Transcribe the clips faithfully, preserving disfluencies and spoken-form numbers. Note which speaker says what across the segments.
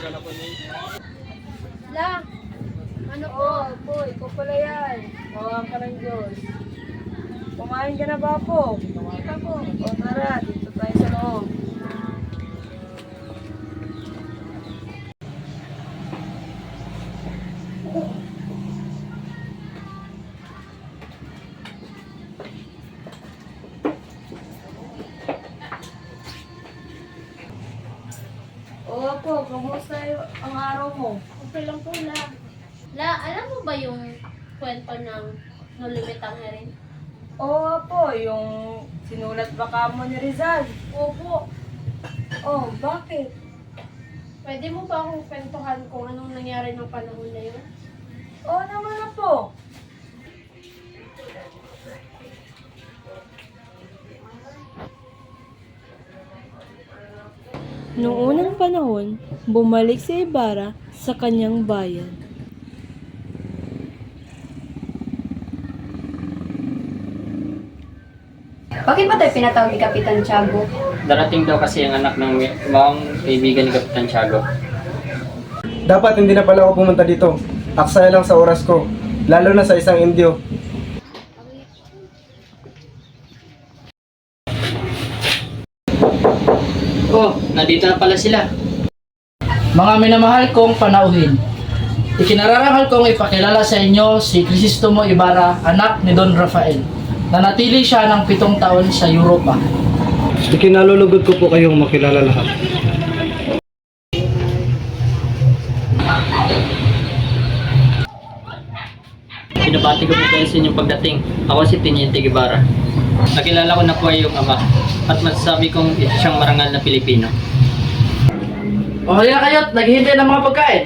Speaker 1: La, ano po?
Speaker 2: Oh, po, ikaw pala yan. Tawag ka ng Diyos. Kumain ka na ba po?
Speaker 1: Hindi pa po.
Speaker 2: O tara, dito tayo sa loob. Oo po, kamusta yung- ang araw mo?
Speaker 1: Okay lang po, La. La, alam mo ba yung kwento ng No Limit ang Herin?
Speaker 2: Oo po, yung sinulat ba ka mo ni Rizal?
Speaker 1: Opo.
Speaker 2: Oh, bakit?
Speaker 1: Pwede mo ba akong kwentuhan kung anong nangyari ng panahon na yun?
Speaker 2: Oo naman na po.
Speaker 3: Noong unang panahon, bumalik si Ibarra sa kanyang bayan.
Speaker 4: Bakit ba tayo pinatawag ni Kapitan Tiago?
Speaker 5: Darating daw kasi ang anak ng maong kaibigan ni Kapitan Tiago.
Speaker 6: Dapat hindi na pala ako pumunta dito. Aksaya lang sa oras ko, lalo na sa isang Indio.
Speaker 5: Oh, nandito na pala sila.
Speaker 7: Mga minamahal kong panauhin, ikinararangal kong ipakilala sa inyo si Crisostomo Ibarra, anak ni Don Rafael. Nanatili siya ng pitong taon sa Europa.
Speaker 6: Ikinalulugod ko po kayong makilala lahat.
Speaker 5: Pinabati ko po kayo sa inyong pagdating. Ako si Teniente Guevara. Nakilala ko na po ay iyong ama at masasabi kong ito siyang marangal na Pilipino.
Speaker 7: O halina kayo, naghihintay ng mga pagkain.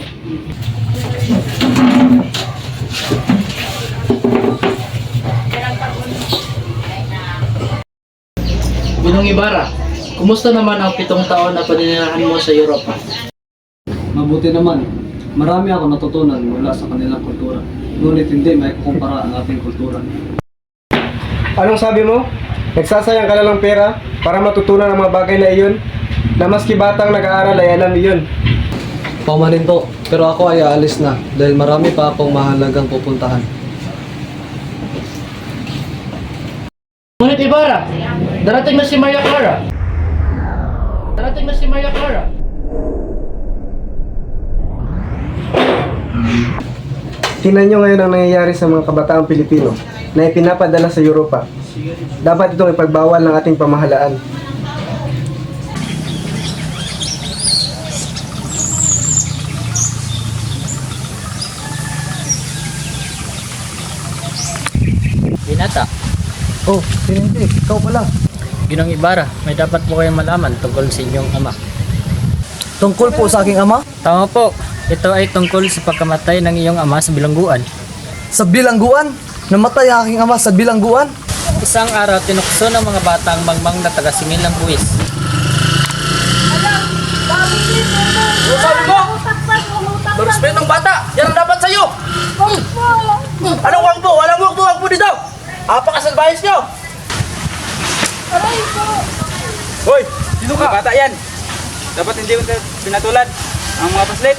Speaker 7: Ginong Ibarra, kumusta naman ang pitong taon na paninirahan mo sa Europa?
Speaker 8: Mabuti naman. Marami ako natutunan mula sa kanilang kultura. Ngunit hindi may kukumpara ang ating kultura.
Speaker 6: Anong sabi mo? Nagsasayang ka na lang pera para matutunan ang mga bagay na iyon na maski batang nag-aaral ay alam iyon.
Speaker 8: Paumanin po, pero ako ay aalis na dahil marami pa akong mahalagang pupuntahan.
Speaker 7: Ngunit Ibarra, darating na si Maria Clara. Darating na si Maria Clara.
Speaker 6: Tingnan nyo ngayon ang nangyayari sa mga kabataang Pilipino na ipinapadala sa Europa. Dapat itong ipagbawal ng ating pamahalaan.
Speaker 5: Binata,
Speaker 6: Oh, Tinente, ikaw pala.
Speaker 5: Ginong Ibarra, may dapat po kayong malaman tungkol sa inyong ama.
Speaker 8: Tungkol po sa aking ama,
Speaker 5: Tama po, ito ay tungkol sa pagkamatay ng iyong ama sa bilangguan.
Speaker 8: sa bilangguan. Namatay ang aking ama sa bilangguan.
Speaker 5: Isang araw, tinukso ng mga bata ang mangmang na taga-singil ng buwis.
Speaker 7: Sabi mo, respeto ng bata, yan ang dapat sa'yo. Anong wangbo? Walang wangbo, wangbo dito. Apakasalbayas nyo.
Speaker 9: Hoy! Sino ka? Bata yan! Dapat hindi mo pinatulan ang mga paslit.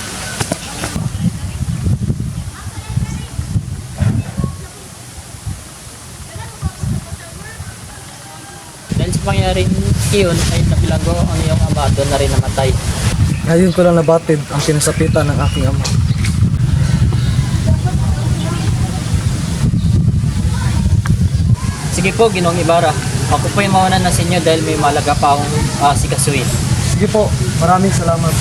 Speaker 5: Dahil sa pangyayaring iyon ay nabilanggo ang iyong ama doon na rin namatay.
Speaker 8: Ngayon ko lang nabatid ang kinasapitan ng aking ama.
Speaker 5: Sige po, Ginong Ibarra. Ako po yung mauna na sa inyo dahil may malaga pa akong uh, sikasuin.
Speaker 8: Sige po, maraming salamat.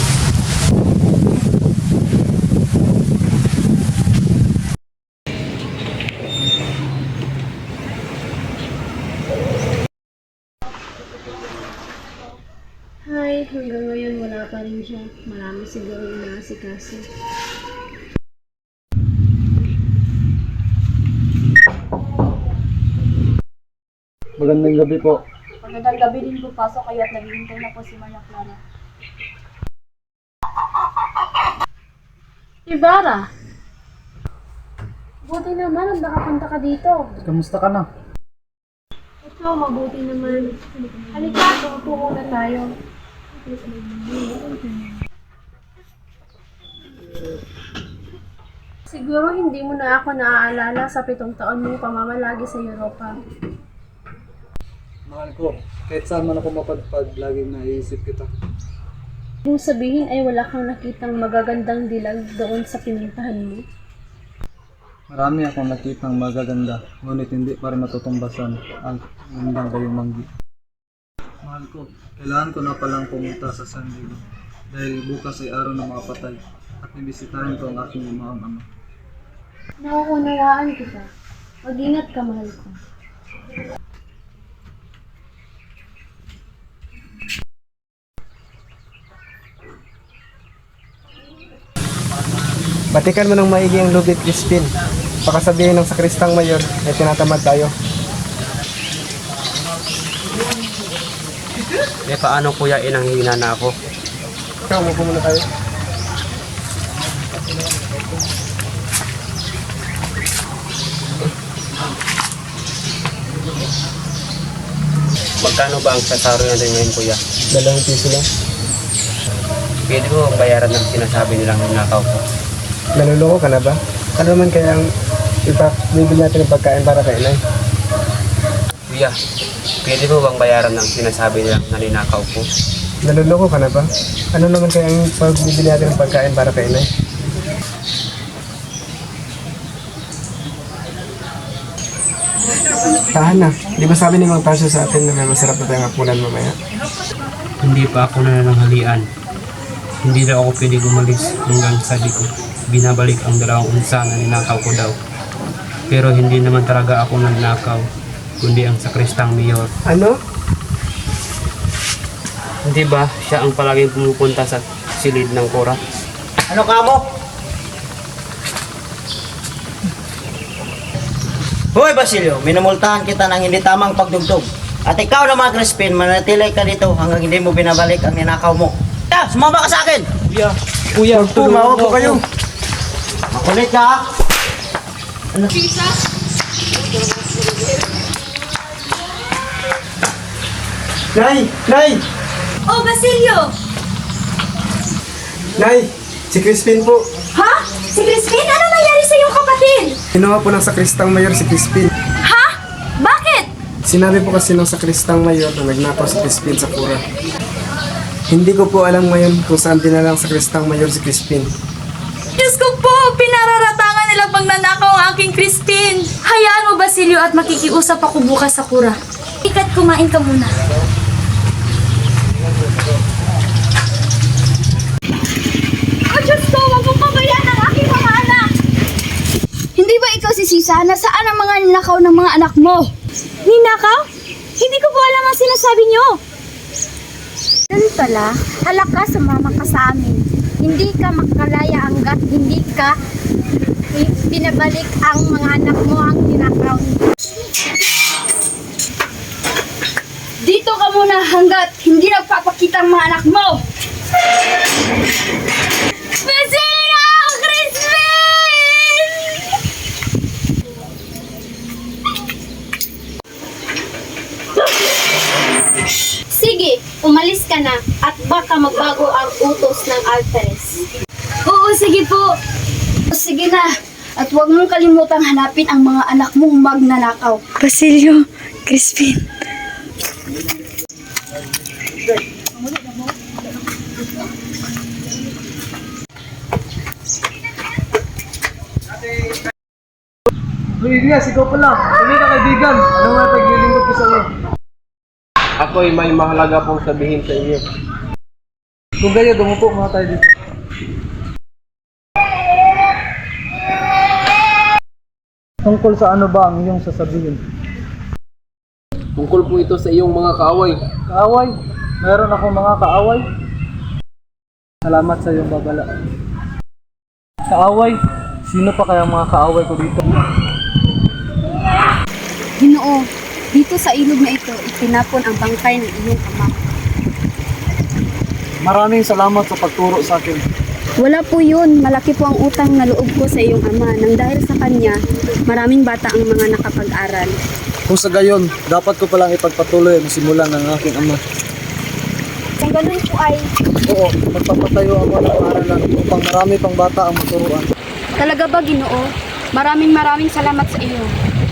Speaker 1: Hi, hanggang ngayon wala pa rin siya. Marami siguro yung naasikaso.
Speaker 8: Magandang gabi po.
Speaker 2: Magandang gabi din po, pasok kayo at naghihintay na po si Maria Clara.
Speaker 1: Ibarra! Buti naman ang nakapunta ka dito.
Speaker 8: Kamusta ka na?
Speaker 1: Ito, mabuti naman. Halika, upo muna tayo. Siguro hindi mo na ako naaalala sa pitong taon mong pamamalagi sa Europa.
Speaker 8: Mahal ko, kahit saan man ako mapadpad, laging naiisip kita.
Speaker 1: Kung sabihin ay wala kang nakitang magagandang dilag doon sa pinuntahan mo.
Speaker 8: Marami akong nakitang magaganda, ngunit hindi pa rin matutumbasan ang gandang gayong manggi. Mahal ko, kailangan ko na palang pumunta sa San Diego dahil bukas ay araw ng mga patay at nibisitahin ko ang aking imahang ama.
Speaker 1: Nakukunawaan kita. Mag-ingat ka, mahal ko.
Speaker 6: Batikan mo ng maigi ang Lubit Crispin. Pakasabihin ng sakristang mayor ay tinatamad tayo.
Speaker 9: Eh paano kuya, inang hina na ako?
Speaker 6: Ikaw, mo muna tayo.
Speaker 9: Magkano ba ang sasaro natin ngayon kuya?
Speaker 6: Dalawang piso lang.
Speaker 9: Pwede ko bayaran ng sinasabi nilang nakaw ko.
Speaker 6: Naluloko ka na ba? Ano naman kaya ang ipabibili natin ng pagkain para kay inay?
Speaker 9: Kuya, pwede mo bang bayaran ng sinasabi nilang naninakaw ko?
Speaker 6: Naluloko ka na ba? Ano naman kaya ang pagbibili natin ng pagkain para kay inay? Tahan na. Di ba sabi ni Mang Tasyo sa atin na may masarap na tayong hapunan mamaya?
Speaker 5: Hindi pa ako nananghalian. Hindi daw ako pwede gumalis hanggang sabi ko. Binabalik ang dalawang unsa na ninakaw ko daw. Pero hindi naman talaga ako nagnakaw, kundi ang sakristang mayor.
Speaker 6: Ano?
Speaker 5: Hindi ba siya ang palaging pumupunta sa silid ng kura?
Speaker 9: Ano ka mo? Hoy Basilio, minumultahan kita ng hindi tamang pagdugtog. At ikaw naman Crispin, manatili ka dito hanggang hindi mo binabalik ang ninakaw mo. Ya, sumama ka sa akin!
Speaker 6: Kuya, kuya,
Speaker 9: Tumawa po kayo. Makulit ka ha? Ano?
Speaker 6: Nay! Nay!
Speaker 2: Oh, Basilio!
Speaker 6: Nay! Si Crispin po.
Speaker 2: Ha? Si Crispin? Ano nangyari sa iyong kapatid?
Speaker 6: Kinuha po ng sakristang mayor si Crispin.
Speaker 2: Ha? Bakit?
Speaker 6: Sinabi po kasi ng sakristang mayor na nagnakaw si Crispin sa kura. Hindi ko po alam ngayon kung saan dinalang sakristang mayor si Crispin.
Speaker 2: Diyos ko po! Pinararatangan nila pang nanakaw ang aking Crispin! Hayaan mo, Basilio, at makikiusap ako bukas sa kura. Ikat, kumain ka muna. Oh, Diyos ko! Huwag mong pabayaan ang aking mga anak!
Speaker 10: Hindi ba ikaw si Sisa? Nasaan ang mga ninakaw ng mga anak mo?
Speaker 2: Ninakaw? Hindi ko po alam ang sinasabi niyo.
Speaker 10: Ganun pala, halaka sumama ka sa amin. Hindi ka makalaya hanggat hindi ka pinabalik ang mga anak mo ang ninakaw. Dito ka muna hanggat hindi nagpapakita ang mga anak mo.
Speaker 2: Basilio! Crispin!
Speaker 10: Sige, umalis ka na at baka magbago ang utos ng Alferez.
Speaker 2: Oo, sige po.
Speaker 10: Sige na, at huwag mong kalimutang hanapin ang mga anak mong magnanakaw.
Speaker 2: Basilio, Crispin.
Speaker 6: Luigas, ikaw pala. Hindi ka kaibigan. Ano nga paglilingkod ko sa iyo? Ako'y may mahalaga pong sabihin sa iyo. Kung ganyan, dumupo mga tayo dito.
Speaker 8: Tungkol sa ano ba ang iyong sasabihin?
Speaker 6: Tungkol po ito sa iyong mga kaaway.
Speaker 8: Kaaway? Meron akong mga kaaway? Salamat sa iyong babala. Kaaway? Sino pa kaya mga kaaway ko dito?
Speaker 10: Ginoo, dito sa ilog na ito, itinapon ang bangkay ng iyong ama.
Speaker 8: Maraming salamat sa pagturo sa akin.
Speaker 10: Wala po yun. Malaki po ang utang na loob ko sa iyong ama. Nang dahil sa kanya, maraming bata ang mga nakapag-aral.
Speaker 8: Kung sa gayon, dapat ko palang ipagpatuloy ang simulan ng aking ama.
Speaker 10: Kung Kung ganun po ay
Speaker 8: Oo, magpapatayo ako ng paaralan upang marami pang bata ang maturuan.
Speaker 10: talaga ba, Ginoo? Maraming maraming salamat sa iyo.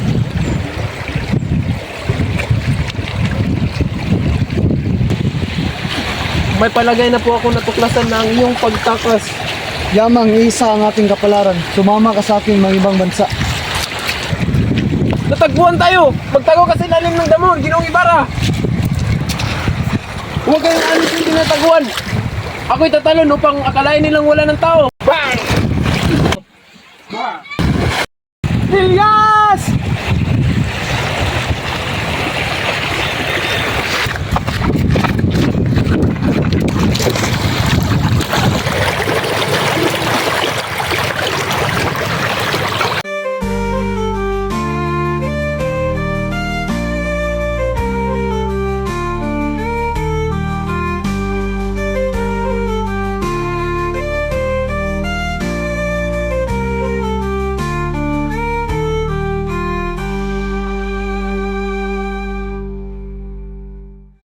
Speaker 6: May palagay na po ako natuklasan ng iyong pagtakas.
Speaker 8: Yamang isa ang ating kapalaran. Sumama ka sa akin mga ibang bansa.
Speaker 6: Natagpuan tayo! Magtago kasi lalim ng damon, Ginoong Ibarra! Huwag kayong alis yung tinataguan! Ako'y tatalon upang akalain nilang wala ng tao! Bang! Bang! Hilya!